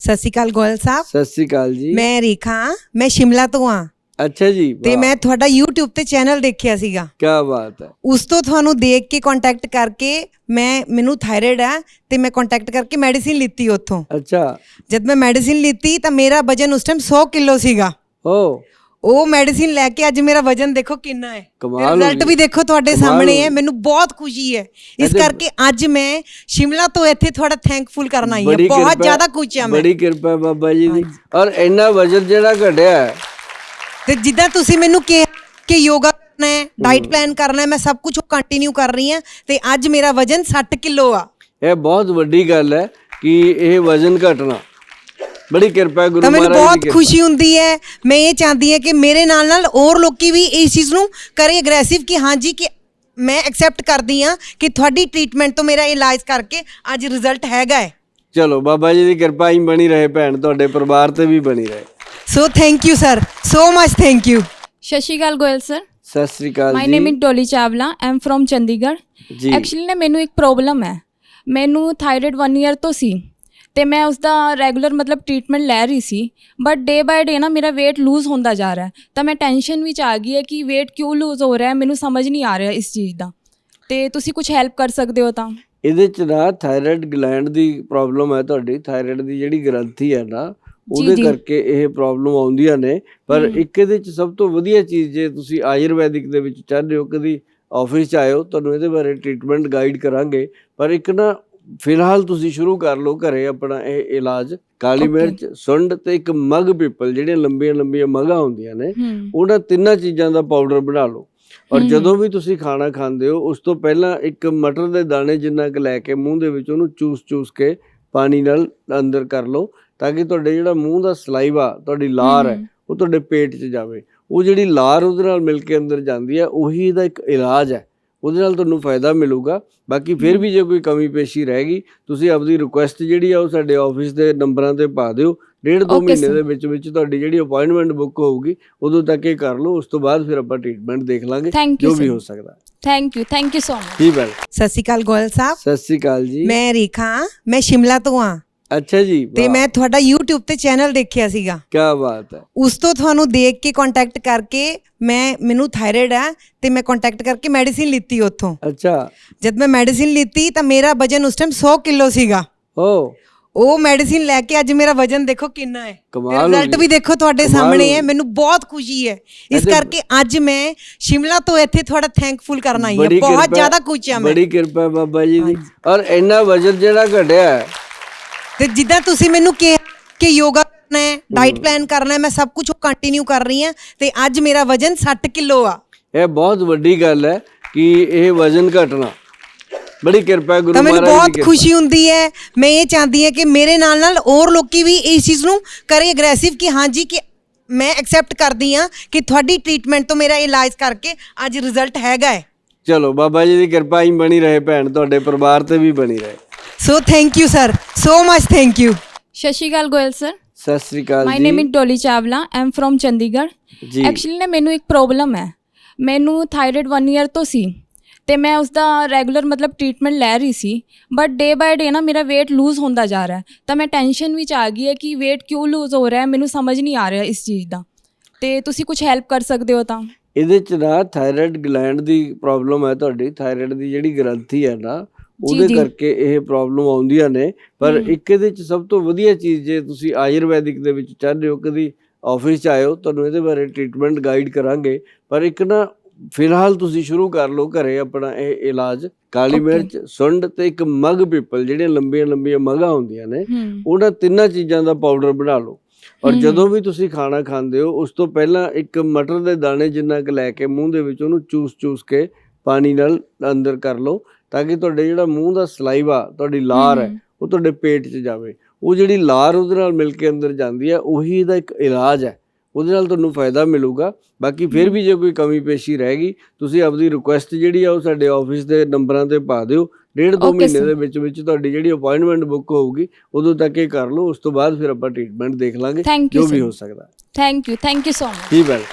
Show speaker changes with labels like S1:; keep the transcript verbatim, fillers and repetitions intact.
S1: ਸਤਿ ਸ਼੍ਰੀ ਅਕਾਲ ਗੋਇਲ ਸਾਹਿਬ।
S2: ਸਤਿ ਸ਼੍ਰੀ ਅਕਾਲ ਜੀ।
S1: ਮੈਂ ਰੇਖਾ, ਮੈਂ ਸ਼ਿਮਲਾ ਤੋਂ ਹਾਂ।
S2: ਅੱਛਾ ਜੀ।
S1: ਤੇ ਮੈਂ ਤੁਹਾਡਾ YouTube ਤੇ ਚੈਨਲ ਦੇਖਿਆ ਸੀਗਾ।
S2: ਕੀ ਬਾਤ ਹੈ।
S1: ਉਸ ਤੋਂ ਤੁਹਾਨੂੰ ਦੇਖ ਕੇ ਕੰਟੈਕਟ ਕਰਕੇ ਮੈਂ ਮੈਨੂੰ ਥਾਇਰਾਇਡ ਹੈ ਤੇ ਮੈਂ ਕੰਟੈਕਟ ਕਰਕੇ ਮੈਡੀਸਿਨ ਲਿੱਤੀ ਉੱਥੋਂ।
S2: ਅੱਛਾ।
S1: ਜਦ ਮੈਂ ਮੈਡੀਸਿਨ ਲਿੱਤੀ ਤਾਂ ਮੇਰਾ ਵਜਨ ਉਸ ਟਾਈਮ ਸੌ ਕਿਲੋ ਸੀਗਾ।
S2: ਓ
S1: ਉਹ ਮੈਡੀਸਿਨ ਲੈ ਕੇ ਅੱਜ ਮੇਰਾ ਵਜਨ ਦੇਖੋ ਕਿੰਨਾ ਹੈ। ਰਿਜ਼ਲਟ ਵੀ ਦੇਖੋ ਤੁਹਾਡੇ ਸਾਹਮਣੇ ਹੈ। ਮੈਨੂੰ ਬਹੁਤ ਖੁਸ਼ੀ ਹੈ, ਇਸ ਕਰਕੇ ਅੱਜ ਮੈਂ ਸ਼ਿਮਲਾ ਤੋਂ ਇੱਥੇ ਤੁਹਾਡਾ ਥੈਂਕਫੁਲ ਕਰਨ ਆਈ ਹਾਂ। ਬਹੁਤ ਜ਼ਿਆਦਾ ਖੁਸ਼ ਹਾਂ ਮੈਂ।
S2: ਬੜੀ ਕਿਰਪਾ ਬਾਬਾ ਜੀ ਦੀ। ਔਰ ਇੰਨਾ ਵਜਨ ਜਿਹੜਾ ਘਟਿਆ
S1: ਤੇ ਜਿੱਦਾਂ ਤੁਸੀਂ ਮੈਨੂੰ ਕਿਹਾ ਕਿ ਯੋਗਾ ਕਰਨਾ ਹੈ, ਡਾਈਟ ਪਲਾਨ ਕਰਨਾ ਹੈ, ਮੈਂ ਸਭ ਕੁਝ ਕੰਟੀਨਿਊ ਕਰ ਰਹੀ ਹਾਂ ਤੇ ਅੱਜ ਮੇਰਾ ਵਜਨ ਸੱਠ ਕਿਲੋ ਆ।
S2: ਇਹ ਬਹੁਤ ਵੱਡੀ ਗੱਲ ਹੈ ਕਿ ਇਹ ਵਜਨ ਘਟਣਾ। ਬੜੀ ਕਿਰਪਾ ਗੁਰੂ
S1: ਤਾਂ
S2: ਮਹਾਰਾਜ
S1: ਮੈਨੂੰ
S2: ਦੀ
S1: ਬਹੁਤ ਖੁਸ਼ੀ ਹੁੰਦੀ ਹੈ। ਮੈਂ ਇਹ ਚਾਹੁੰਦੀ ਹਾਂ ਕਿ ਮੇਰੇ ਨਾਲ ਨਾਲ ਹੋਰ ਲੋਕੀ ਵੀ ਇਸ ਚੀਜ਼ ਨੂੰ ਕਰੇ ਅਗਰੈਸਿਵ ਕਿ ਹਾਂਜੀ ਕਿ ਮੈਂ ਐਕਸੈਪਟ ਕਰਦੀ ਹਾਂ ਕਿ ਤੁਹਾਡੀ ਟ੍ਰੀਟਮੈਂਟ ਤੋਂ ਮੇਰਾ ਇਲਾਜ ਕਰਕੇ ਅੱਜ ਰਿਜ਼ਲਟ ਹੈਗਾ ਹੈ।
S2: ਚਲੋ ਬਾਬਾ ਜੀ ਦੀ ਕਿਰਪਾ ਹੀ ਬਣੀ ਰਹੇ, ਭੈਣ ਤੁਹਾਡੇ ਪਰਿਵਾਰ ਤੇ ਵੀ ਬਣੀ ਰਹੇ।
S1: So thank you sir, so much thank you.
S3: ਸਤਿ ਸ਼੍ਰੀ ਅਕਾਲ ਗੋਇਲ ਸਰ।
S2: ਸਤਿ ਸ਼੍ਰੀ ਅਕਾਲ ਜੀ।
S3: My name is Dolly Chawla, I am from Chandigarh.
S2: ਜੀ
S3: ਐਕਚੁਅਲੀ ਨਾ ਮੈਨੂੰ ਇੱਕ ਪ੍ਰੋਬਲਮ ਹੈ। ਮੈਨੂੰ ਥਾਇਰਾਇਡ ਵਨ ਈਅਰ ਤੋਂ ਸੀ ਤੇ ਮੈਂ ਉਸ ਦਾ ਰੈਗੂਲਰ ਮਤਲਬ ਟ੍ਰੀਟਮੈਂਟ ਲੈ ਰਹੀ ਸੀ, ਬਟ ਡੇ ਬਾਏ ਡੇ ਨਾ ਮੇਰਾ weight ਲੂਜ਼ ਹੁੰਦਾ ਜਾ ਰਿਹਾ ਹੈ। ਤਾਂ ਮੈਂ ਟੈਨਸ਼ਨ ਵਿੱਚ ਆ ਗਈ ਹੈ ਕਿ weight ਕਿਉਂ ਲੂਜ਼ ਹੋ ਰਿਹਾ ਹੈ, ਮੈਨੂੰ ਸਮਝ ਨਹੀਂ ਆ ਰਿਹਾ ਇਸ ਚੀਜ਼ ਦਾ। ਤੇ ਤੁਸੀਂ ਕੁਝ ਹੈਲਪ ਕਰ ਸਕਦੇ ਹੋ ਤਾਂ।
S2: ਇਹਦੇ ਚ ਨਾ ਥਾਇਰਾਇਡ ਗਲੈਂਡ ਦੀ ਪ੍ਰੋਬਲਮ ਹੈ ਤੁਹਾਡੀ। ਥਾਇਰਾਇਡ ਦੀ ਜਿਹੜੀ ਗ੍ਰੰਥੀ ਹੈ ਨਾ, ਉਹਦੇ ਕਰਕੇ ਇਹ ਪ੍ਰੋਬਲਮ ਆਉਂਦੀਆਂ ਨੇ। ਪਰ ਇੱਕ ਇਹਦੇ ਚ ਸਭ ਤੋਂ ਵਧੀਆ ਚੀਜ਼, ਜੇ ਤੁਸੀਂ ਆਯੁਰਵੈਦਿਕ ਦੇ ਵਿੱਚ ਚਾਹੁੰਦੇ ਹੋ, ਕਦੀ ਆਫਿਸ ਚ ਆਇਓ, ਤੁਹਾਨੂੰ ਇਹਦੇ ਬਾਰੇ ਟ੍ਰੀਟਮੈਂਟ ਗਾਈਡ ਕਰਾਂਗੇ। ਪਰ ਇੱਕ ਨਾ ਫਿਲਹਾਲ ਤੁਸੀਂ ਸ਼ੁਰੂ ਕਰ ਲਓ ਘਰੇ ਆਪਣਾ ਇਹ ਇਲਾਜ। ਕਾਲੀ ਮਿਰਚ, ਸੁੰਡ ਤੇ ਇੱਕ ਮਗ ਪੀਪਲ, ਜਿਹੜੀਆਂ ਲੰਬੀਆਂ ਲੰਬੀਆਂ ਮਗਾਂ ਹੁੰਦੀਆਂ ਨੇ, ਉਹਨਾਂ ਤਿੰਨਾਂ ਚੀਜ਼ਾਂ ਦਾ ਪਾਊਡਰ ਬਣਾ ਲਓ। ਔਰ ਜਦੋਂ ਵੀ ਤੁਸੀਂ ਖਾਣਾ ਖਾਂਦੇ ਹੋ ਉਸ ਤੋਂ ਪਹਿਲਾਂ ਇੱਕ ਮਟਰ ਦੇ ਦਾਣੇ ਜਿੰਨਾ ਕੁ ਲੈ ਕੇ ਮੂੰਹ ਦੇ ਵਿੱਚ ਉਹਨੂੰ ਚੂਸ ਚੂਸ ਕੇ ਪਾਣੀ ਨਾਲ ਅੰਦਰ ਕਰ ਲਓ, ਤਾਂ ਕਿ ਤੁਹਾਡੇ ਜਿਹੜਾ ਮੂੰਹ ਦਾ ਸਲਾਈਵਾ, ਤੁਹਾਡੀ ਲਾਰ ਹੈ, ਉਹ ਤੁਹਾਡੇ ਪੇਟ 'ਚ ਜਾਵੇ। ਉਹ ਜਿਹੜੀ ਲਾਰ ਉਹਦੇ ਨਾਲ ਮਿਲ ਕੇ ਅੰਦਰ ਜਾਂਦੀ ਹੈ, ਉਹੀ ਇਹਦਾ ਇੱਕ ਇਲਾਜ ਹੈ। ਉਹਦੇ ਨਾਲ ਤੁਹਾਨੂੰ ਫਾਇਦਾ ਮਿਲੂਗਾ। ਬਾਕੀ ਫਿਰ ਵੀ ਜੇ ਕੋਈ ਕਮੀ ਪੇਸ਼ੀ ਰਹਿ ਗਈ, ਤੁਸੀਂ ਆਪਦੀ ਰਿਕੁਐਸਟ ਜਿਹੜੀ ਆ ਉਹ ਸਾਡੇ ਆਫਿਸ ਦੇ ਨੰਬਰਾਂ ਤੇ ਪਾ ਦਿਓ। ਡੇਢ ਦੋ ਮਹੀਨੇ ਦੇ ਵਿੱਚ ਵਿੱਚ ਤੁਹਾਡੀ ਜਿਹੜੀ ਅਪਾਇੰਟਮੈਂਟ ਬੁੱਕ ਹੋਊਗੀ, ਉਦੋਂ ਤੱਕ ਇਹ ਕਰ ਲਓ। ਉਸ ਤੋਂ ਬਾਅਦ ਫਿਰ ਆਪਾਂ ਟ੍ਰੀਟਮੈਂਟ ਦੇਖ ਲਾਂਗੇ ਜੋ ਵੀ ਹੋ ਸਕਦਾ।
S3: Thank you, thank you so much.
S2: ਜੀ ਵੈਲ।
S1: ਸਤਿ ਸ਼੍ਰੀ ਅਕਾਲ ਗੋਇਲ ਸਾਹਿਬ।
S2: ਸਤਿ ਸ਼੍ਰੀ ਅਕਾਲ ਜੀ।
S1: ਮੈਂ ਰੇਖਾ, ਮੈਂ ਸ਼ਿਮਲਾ ਤੋਂ ਹਾਂ।
S2: ਅੱਛਾ ਜੀ।
S1: ਤੇ ਮੈਂ ਤੁਹਾਡਾ YouTube ਤੇ ਚੈਨਲ ਦੇਖਿਆ ਸੀਗਾ।
S2: ਕੀ ਬਾਤ ਹੈ।
S1: ਉਸ ਤੋਂ ਤੁਹਾਨੂੰ ਦੇਖ ਕੇ ਕੰਟੈਕਟ ਕਰਕੇ ਮੈਂ ਮੈਨੂੰ ਥਾਇਰਾਇਡ ਹੈ ਤੇ ਮੈਂ ਕੰਟੈਕਟ ਕਰਕੇ ਮੈਡੀਸਿਨ ਲਿੱਤੀ ਉੱਥੋਂ।
S2: ਅੱਛਾ।
S1: ਜਦ ਮੈਂ ਮੈਡੀਸਿਨ ਲਿੱਤੀ ਤਾਂ ਮੇਰਾ ਵਜਨ ਉਸ ਟਾਈਮ ਸੌ ਕਿਲੋ ਸੀਗਾ।
S2: ਓ
S1: ਉਹ ਮੈਡੀਸਿਨ ਲੈ ਕੇ ਅੱਜ ਮੇਰਾ ਵਜਨ ਦੇਖੋ ਕਿੰਨਾ ਹੈ। ਰਿਜ਼ਲਟ ਵੀ ਦੇਖੋ ਤੁਹਾਡੇ ਸਾਹਮਣੇ ਹੈ। ਮੈਨੂੰ ਬਹੁਤ ਖੁਸ਼ੀ ਹੈ, ਇਸ ਕਰਕੇ ਅੱਜ ਮੈਂ ਸ਼ਿਮਲਾ ਤੋਂ ਇੱਥੇ ਤੁਹਾਡਾ ਥੈਂਕਫੁਲ ਕਰਨ ਆਈ ਹਾਂ। ਬਹੁਤ ਜ਼ਿਆਦਾ ਖੁਸ਼ ਹਾਂ ਮੈਂ।
S2: ਬੜੀ ਕਿਰਪਾ ਬਾਬਾ ਜੀ ਦੀ। ਔਰ ਇੰਨਾ ਵਜਨ ਜਿਹੜਾ ਘਟਿਆ
S1: ਤੇ ਜਿੱਦਾਂ ਤੁਸੀਂ ਮੈਨੂੰ ਕਿਹਾ ਕਿ ਯੋਗਾ ਕਰਨਾ ਹੈ, ਡਾਈਟ ਪਲਾਨ ਕਰਨਾ ਹੈ, ਮੈਂ ਸਭ ਕੁਝ ਕੰਟੀਨਿਊ ਕਰ ਰਹੀ ਹਾਂ ਤੇ ਅੱਜ ਮੇਰਾ ਵਜਨ ਸੱਠ ਕਿਲੋ ਆ।
S2: ਇਹ ਬਹੁਤ ਵੱਡੀ ਗੱਲ ਹੈ ਕਿ ਇਹ ਵਜਨ ਘਟਣਾ। ਬੜੀ ਕਿਰਪਾ ਗੁਰੂ
S1: ਤਾਂ ਮੈਨੂੰ
S2: ਮਹਾਰਾਜ ਦੀ।
S1: ਬਹੁਤ ਖੁਸ਼ੀ ਹੁੰਦੀ ਹੈ। ਮੈਂ ਇਹ ਚਾਹੁੰਦੀ ਹਾਂ ਕਿ ਮੇਰੇ ਨਾਲ ਨਾਲ ਹੋਰ ਲੋਕੀ ਵੀ ਇਸ ਚੀਜ਼ ਨੂੰ ਕਰੇ ਅਗਰੈਸਿਵ ਕਿ ਹਾਂਜੀ ਕਿ ਮੈਂ ਐਕਸੈਪਟ ਕਰਦੀ ਹਾਂ ਕਿ ਤੁਹਾਡੀ ਟ੍ਰੀਟਮੈਂਟ ਤੋਂ ਮੇਰਾ ਇਲਾਜ ਕਰਕੇ ਅੱਜ ਰਿਜ਼ਲਟ ਹੈਗਾ ਹੈ।
S2: ਚਲੋ ਬਾਬਾ ਜੀ ਦੀ ਕਿਰਪਾ ਹੀ ਬਣੀ ਰਹੇ, ਭੈਣ ਤੁਹਾਡੇ ਪਰਿਵਾਰ ਤੇ ਵੀ ਬਣੀ ਰਹੇ।
S1: So thank you sir, so much thank you.
S3: ਸਤਿ ਸ਼੍ਰੀ ਅਕਾਲ ਗੋਇਲ ਸਰ।
S2: ਸਤਿ ਸ਼੍ਰੀ ਅਕਾਲ ਜੀ।
S3: My name is Dolly Chawla, I am from Chandigarh.
S2: ਜੀ
S3: ਐਕਚੁਅਲੀ ਨਾ ਮੈਨੂੰ ਇੱਕ ਪ੍ਰੋਬਲਮ ਹੈ। ਮੈਨੂੰ ਥਾਇਰਾਇਡ ਵਨ ਈਅਰ ਤੋਂ ਸੀ ਤੇ ਮੈਂ ਉਸ ਦਾ ਰੈਗੂਲਰ ਮਤਲਬ ਟ੍ਰੀਟਮੈਂਟ ਲੈ ਰਹੀ ਸੀ, ਬਟ ਡੇ ਬਾਏ ਡੇ ਨਾ ਮੇਰਾ weight ਲੂਜ਼ ਹੁੰਦਾ ਜਾ ਰਿਹਾ ਹੈ। ਤਾਂ ਮੈਂ ਟੈਨਸ਼ਨ ਵਿੱਚ ਆ ਗਈ ਹੈ ਕਿ weight ਕਿਉਂ ਲੂਜ਼ ਹੋ ਰਿਹਾ ਹੈ, ਮੈਨੂੰ ਸਮਝ ਨਹੀਂ ਆ ਰਿਹਾ ਇਸ ਚੀਜ਼ ਦਾ। ਤੇ ਤੁਸੀਂ ਕੁਝ ਹੈਲਪ ਕਰ ਸਕਦੇ ਹੋ ਤਾਂ।
S2: ਇਹਦੇ ਚ ਨਾ ਥਾਇਰਾਇਡ ਗਲੈਂਡ ਦੀ ਪ੍ਰੋਬਲਮ ਹੈ ਤੁਹਾਡੀ। ਥਾਇਰਾਇਡ ਦੀ ਜਿਹੜੀ ਗ੍ਰੰਥੀ ਹੈ ਨਾ, ਉਹਦੇ ਕਰਕੇ ਇਹ ਪ੍ਰੋਬਲਮ ਆਉਂਦੀਆਂ ਨੇ। ਪਰ ਇੱਕ ਇਹਦੇ ਚ ਸਭ ਤੋਂ ਵਧੀਆ ਚੀਜ਼, ਜੇ ਤੁਸੀਂ ਆਯੁਰਵੈਦਿਕ ਦੇ ਵਿੱਚ ਚਾਹੁੰਦੇ ਹੋ, ਕਦੀ ਆਫਿਸ ਚ ਆਇਓ, ਤੁਹਾਨੂੰ ਇਹਦੇ ਬਾਰੇ ਟ੍ਰੀਟਮੈਂਟ ਗਾਈਡ ਕਰਾਂਗੇ। ਪਰ ਇੱਕ ਨਾ ਫਿਲਹਾਲ ਤੁਸੀਂ ਸ਼ੁਰੂ ਕਰ ਲਓ ਘਰੇ ਆਪਣਾ ਇਹ ਇਲਾਜ। ਕਾਲੀ ਮਿਰਚ, ਸੁੰਡ ਤੇ ਇੱਕ ਮਗ ਪੀਪਲ, ਜਿਹੜੀਆਂ ਲੰਬੀਆਂ ਲੰਬੀਆਂ ਮਗਾਂ ਹੁੰਦੀਆਂ ਨੇ, ਉਹਨਾਂ ਤਿੰਨਾਂ ਚੀਜ਼ਾਂ ਦਾ ਪਾਊਡਰ ਬਣਾ ਲਓ। ਔਰ ਜਦੋਂ ਵੀ ਤੁਸੀਂ ਖਾਣਾ ਖਾਂਦੇ ਹੋ ਉਸ ਤੋਂ ਪਹਿਲਾਂ ਇੱਕ ਮਟਰ ਦੇ ਦਾਣੇ ਜਿੰਨਾ ਕੁ ਲੈ ਕੇ ਮੂੰਹ ਦੇ ਵਿੱਚ ਉਹਨੂੰ ਚੂਸ ਚੂਸ ਕੇ ਪਾਣੀ ਨਾਲ ਅੰਦਰ ਕਰ ਲਓ, ਤਾਂ ਕਿ ਤੁਹਾਡੇ ਜਿਹੜਾ ਮੂੰਹ ਦਾ ਸਲਾਈਵਾ, ਤੁਹਾਡੀ ਲਾਰ ਹੈ, ਉਹ ਤੁਹਾਡੇ ਪੇਟ 'ਚ ਜਾਵੇ। ਉਹ ਜਿਹੜੀ ਲਾਰ ਉਹਦੇ ਨਾਲ ਮਿਲ ਕੇ ਅੰਦਰ ਜਾਂਦੀ ਹੈ, ਉਹੀ ਇਹਦਾ ਇੱਕ ਇਲਾਜ ਹੈ। ਉਹਦੇ ਨਾਲ ਤੁਹਾਨੂੰ ਫਾਇਦਾ ਮਿਲੂਗਾ। ਬਾਕੀ ਫਿਰ ਵੀ ਜੇ ਕੋਈ ਕਮੀ ਪੇਸ਼ੀ ਰਹਿ ਗਈ, ਤੁਸੀਂ ਆਪਦੀ ਰਿਕੁਐਸਟ ਜਿਹੜੀ ਆ ਉਹ ਸਾਡੇ ਆਫਿਸ ਦੇ ਨੰਬਰਾਂ ਤੇ ਪਾ ਦਿਓ। ਡੇਢ ਦੋ ਮਹੀਨੇ ਦੇ ਵਿੱਚ ਵਿੱਚ ਤੁਹਾਡੀ ਜਿਹੜੀ ਅਪਾਇੰਟਮੈਂਟ ਬੁੱਕ ਹੋਊਗੀ, ਉਦੋਂ ਤੱਕ ਇਹ ਕਰ ਲਓ। ਉਸ ਤੋਂ ਬਾਅਦ ਫਿਰ ਆਪਾਂ ਟ੍ਰੀਟਮੈਂਟ ਦੇਖ ਲਾਂਗੇ ਜੋ ਵੀ ਹੋ ਸਕਦਾ।
S3: Thank you, thank you so much.
S2: ਜੀ ਵੈਲ।